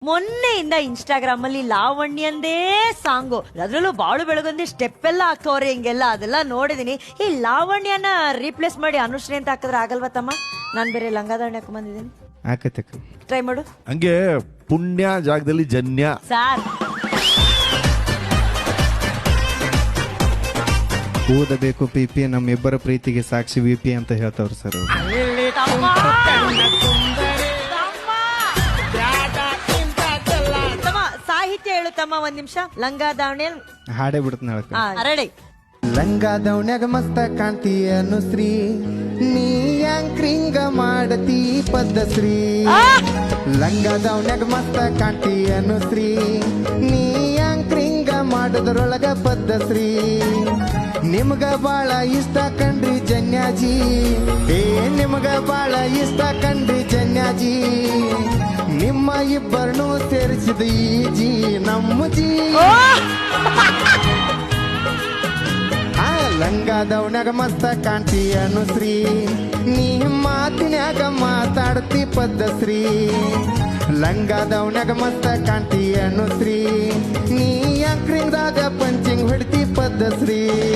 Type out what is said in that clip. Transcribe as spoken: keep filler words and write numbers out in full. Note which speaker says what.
Speaker 1: ಮೊನ್ನೆಯಿಂದ Instagram ಅಲ್ಲಿ ಲಾವಣ್ಯಂದೇ song, ಅದ್ರಲ್ಲೂ ಬಾಳು ಬೆಳಗೊಂದಿ ಸ್ಟೆಪ್ ಎಲ್ಲ ಹಾಕೋರೆ ಹಿಂಗೆಲ್ಲ, ಅದೆಲ್ಲ ನೋಡಿದೀನಿ. ಈ ಲಾವಣ್ಯನ ರೀಪ್ಲೇಸ್ ಮಾಡಿ ಅನುಶ್ರೀ ಅಂತ ಹಾಕಿದ್ರೆ ಆಗಲ್ವಾ ತಮ್ಮ? ನಾನ್ ಬೇರೆ ಲಂಗಾದಾವಣಿ ಹಾಕೊಂಡ್ ಬಂದಿದ್ದೀನಿ,
Speaker 2: ಆಕತಕ್ಕ
Speaker 1: ಟ್ರೈ ಮಾಡು.
Speaker 3: ಹಂಗೆ ಪುಣ್ಯ ಜಾಗದಲ್ಲಿ ಜನ್ಯ.
Speaker 1: ಸಾರ್
Speaker 2: ಓದಬೇಕು ಪಿ ಪಿ ನಮ್ಮಿಬ್ಬರ ಪ್ರೀತಿಗೆ ಸಾಕ್ಷಿ ವಿ ಪಿ ಅಂತ ಹೇಳ್ತಾವ್ರು ಸರ್ ಅವ್ರು.
Speaker 1: ತಮ್ಮ ಸಾಹಿತ್ಯ ಹೇಳು ತಮ್ಮ, ಒಂದ್ ನಿಮಿಷ. ಲಂಗಾದಾವಣಿ
Speaker 2: ಹಾಡೇ ಬಿಡ್ತಾನೆ ಹೇಳಕ್ಕ.
Speaker 1: ರೆಡಿ.
Speaker 2: ಲಂಗಾದವನ್ಯಾಗ ಮಸ್ತ ಕಾಣ್ತಿ ಅನುಶ್ರೀ, ನೀ ಯಾಂಕ್ರಿಂಗ ಮಾಡತಿ ಪದ್ಧಶ್ರೀ. ಲಂಗಾದವನ್ಯಾಗ ಮಸ್ತ ಕಾಣ್ತಿ ಅನುಶ್ರೀ, ನೀ ಯಾಂಕ್ರಿಂಗ ಮಾಡೋದ್ರೊಳಗ ಪದ್ಧಶ್ರೀ. ನಿಮ್ಗ ಬಾಳ ಇಷ್ಟ ಕಂಡ್ರಿ ಜನ್ಯಾಜಿ, ಏ ನಿಮ್ಗ ಬಾಳ ಇಷ್ಟ ಕಂಡ್ರಿ ಜನ್ಯಾಜಿ. ನಿಮ್ಮ ಇಬ್ಬರನ್ನು ಸೇರಿಸಿದ ಈ ಜಿ ನಮ್ಮ ಜಿ. ಲಂಗಾದವನ್ಯಾಗ ಮಸ್ತ ಕಾಣ್ತಿ ಅನುಶ್ರೀ, ನೀ ಮಾತಿನ್ಯಾಗ ಮಾತಾಡ್ತಿ ಪದ್ಧಶ್ರೀ. ಲಂಗಾದವನ್ಯಾಗ ಮಸ್ತ ಕಾಣ್ತಿ ಅನುಶ್ರೀ, ನೀ ಯಾಂಕ್ರಿಂಗ್ದಾಗ ಪಂಚಿಂಗ್ ಹೊಡ್ತಿ ಪದ್ಧಶ್ರೀ.